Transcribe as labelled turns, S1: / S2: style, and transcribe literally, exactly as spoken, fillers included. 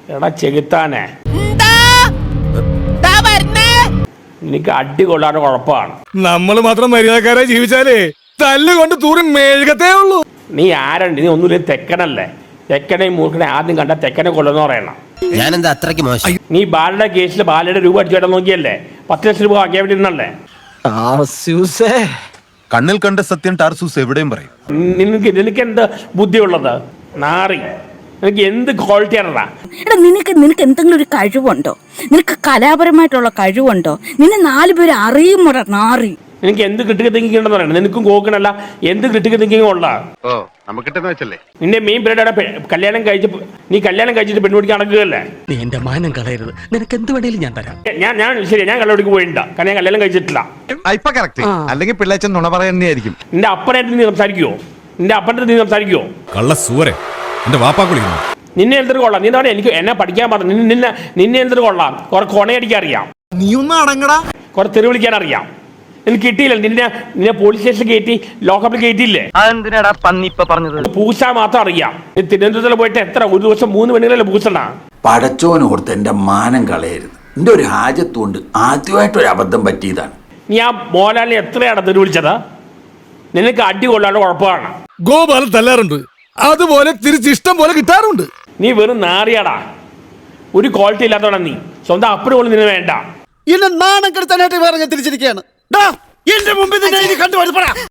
S1: എടാ ചെകുത്താനെ, നിനക്ക് അടി കൊള്ളാതെ കുഴപ്പമാണ്.
S2: നമ്മൾ മാത്രം മര്യാദക്കാരെ ജീവിച്ചാലേ തല്ലുകൊണ്ട് തൂറി മെഴുകത്തേ ഉള്ളൂ.
S1: നീ ആരണ്ട്? നീ ഒന്നുമില്ല, തെക്കനല്ലേ? തെക്കനെ മൂർഖനെ ആദ്യം കണ്ട തെക്കനെ കൊല്ലുന്ന പറയണം.
S3: ഞാനെന്താ അത്രയ്ക്ക് മോശം?
S1: നീ ബാലയുടെ കേസിൽ ബാലയുടെ രൂപ അടിച്ചു കേട്ടാ നോക്കിയല്ലേ? പത്ത് ലക്ഷം രൂപ ആക്കിയാൻ വേണ്ടിയിരുന്നല്ലേ?
S4: കണ്ണിൽ കണ്ട സത്യം ടാർസൂസ് എവിടെയും പറയും.
S1: നിനക്ക് നിനക്ക് എന്ത് ബുദ്ധിയുള്ളത്? നാറി, നിനക്ക് എന്ത് ക്വാളിറ്റി ആണടാ?
S5: എടാ നിനക്ക് നിനക്ക് എന്തെങ്കിലും ഒരു കഴിവുണ്ടോ? നിനക്ക് കലാപരമായിട്ടുള്ള കഴിവുണ്ടോ? നിന്നെ നാല് പേര് അറിയുമോടാ നാറി?
S1: നിനക്ക് എന്ത് ക്രിട്ടിക്കൽ തിങ്കിങ് ഉണ്ടെന്ന് പറയണം. നിനക്കും കോക്കണല്ല, എന്ത് ക്രിട്ടിക്കൽ തിങ്കിങ് ഉള്ള നിന്റെ മെയിൻ പീരീഡ് കല്യാണം കഴിച്ച് നീ കല്യാണം കഴിച്ചിട്ട് പെൺകുടിക്ക് നടക്കുകയല്ലേ?
S6: നീ എന്റെ മാനം കളയരുത്, നിനക്ക് എന്ത് വേണേലും ഞാൻ തരാം.
S1: ഞാൻ ഞാൻ ശരി, ഞാൻ കല്യാണിക്ക് പോയിട്ടില്ല, കാരണം ഞാൻ കല്യാണം കഴിച്ചിട്ടില്ല.
S4: അല്ലെങ്കിൽ പിള്ളേച്ചൻ നുണ പറയുന്നതായിരിക്കും.
S1: നിന്റെ അപ്പനായിട്ട് നീ സംസാരിക്കുവോ? നിന്റെ അപ്പൻ്റെ നീ സംസാരിക്കുവോ?
S2: കള്ള സൂരെ എന്റെ വാപ്പാക്കുളി.
S1: നിന്നെ എന്തൊരു കൊള്ളാം? നീ എന്താ പറയുക? എനിക്ക് എന്നെ പഠിക്കാൻ പറഞ്ഞു. നിന്നെ നിന്നെ എന്തൊരു കൊള്ളാം? കുറെ കൊണയടിക്കാൻ അറിയാം,
S2: നീ ഒന്ന് അടങ്ങടാ.
S1: കുറെ തെറി വിളിക്കാൻ അറിയാം. എനിക്ക് കിട്ടിയില്ല. നിന്നെ നിന്നെ പോലീസ് സ്റ്റേഷനിൽ കയറ്റി ലോക്കപ്പിൽ കയറ്റിയില്ലേ?
S6: അതെന്തിനാടാ പന്നി ഇപ്പൊ പറഞ്ഞത്?
S1: പൂച്ച മാത്രം അറിയാം. നീ തിരുവനന്തപുരത്തിൽ പോയിട്ട് എത്ര ഒരു ദിവസം മൂന്ന് പെണ്ണുങ്ങളല്ലേ പൂച്ചണ്ടാ?
S7: പടച്ചോനോർത്ത് എന്റെ മാനം കളയരുത്. എന്റെ ഒരു ഹാജത്തുകൊണ്ട് ആദ്യമായിട്ടൊരു അബദ്ധം പറ്റിയതാണ്.
S1: നീ ആ മോഹൻലാലിനെ എത്രയാണ് തെറി വിളിച്ചത്? നിനക്ക് അടി കൊള്ളാണ്ട് കുഴപ്പമാണ്.
S2: ഗോപാലൻ തല്ലാറുണ്ട്, അതുപോലെ തിരിച്ചിഷ്ടം പോലെ കിട്ടാറുണ്ട്.
S1: നീ വെറും നാറിയാടാ, ഒരു ക്വാളിറ്റി ഇല്ലാത്തവണ നീ. സ്വന്തം അപ്പന് പോലും നിന്നെ വേണ്ട.
S8: എന്നെ നാണം കെടുത്താനായിട്ട് വേറെ ഞാൻ തിരിച്ചിരിക്കുകയാണ്. എന്റെ മുമ്പിൽ കണ്ടുപോയി